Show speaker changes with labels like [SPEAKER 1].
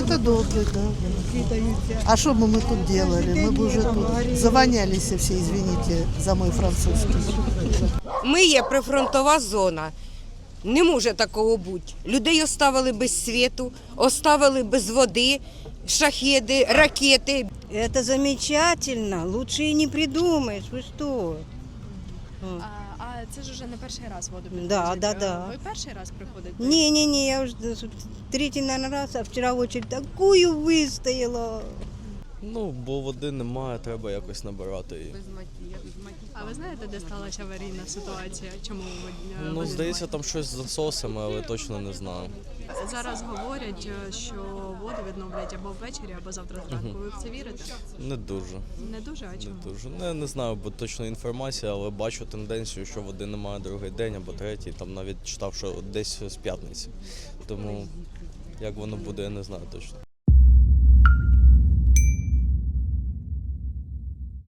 [SPEAKER 1] Это добре, да. А что бы мы тут делали? Мы бы уже тут завонялись все, извините за мой французский.
[SPEAKER 2] Ми є прифронтова зона. Не може такого бути. Людей оставили без світу, оставили без води, шахеди, ракети.
[SPEAKER 3] Это замечательно, лучше и не придумаешь, вы что?
[SPEAKER 4] А це ж уже не перший раз воду підвозять?
[SPEAKER 3] Да.
[SPEAKER 4] Ви перший раз приходите?
[SPEAKER 3] Не, я уже третий, наверное, раз, а вчера очередь такую выстояла.
[SPEAKER 5] Ну, бо води немає, треба якось набирати її.
[SPEAKER 4] А ви знаєте, де сталася аварійна ситуація? Чому
[SPEAKER 5] Ну,
[SPEAKER 4] води
[SPEAKER 5] здається,
[SPEAKER 4] немає?
[SPEAKER 5] там щось з насосами, але точно не знаю.
[SPEAKER 4] Зараз говорять, що воду відновлять або ввечері, або завтра зранку. Ви в це вірите?
[SPEAKER 5] Не дуже.
[SPEAKER 4] Не дуже, а чому?
[SPEAKER 5] Не дуже. Не знаю, бо точно інформація, але бачу тенденцію, що води немає другий день або третій. Там навіть читав, що десь з п'ятниці. Тому як воно буде, я не знаю точно.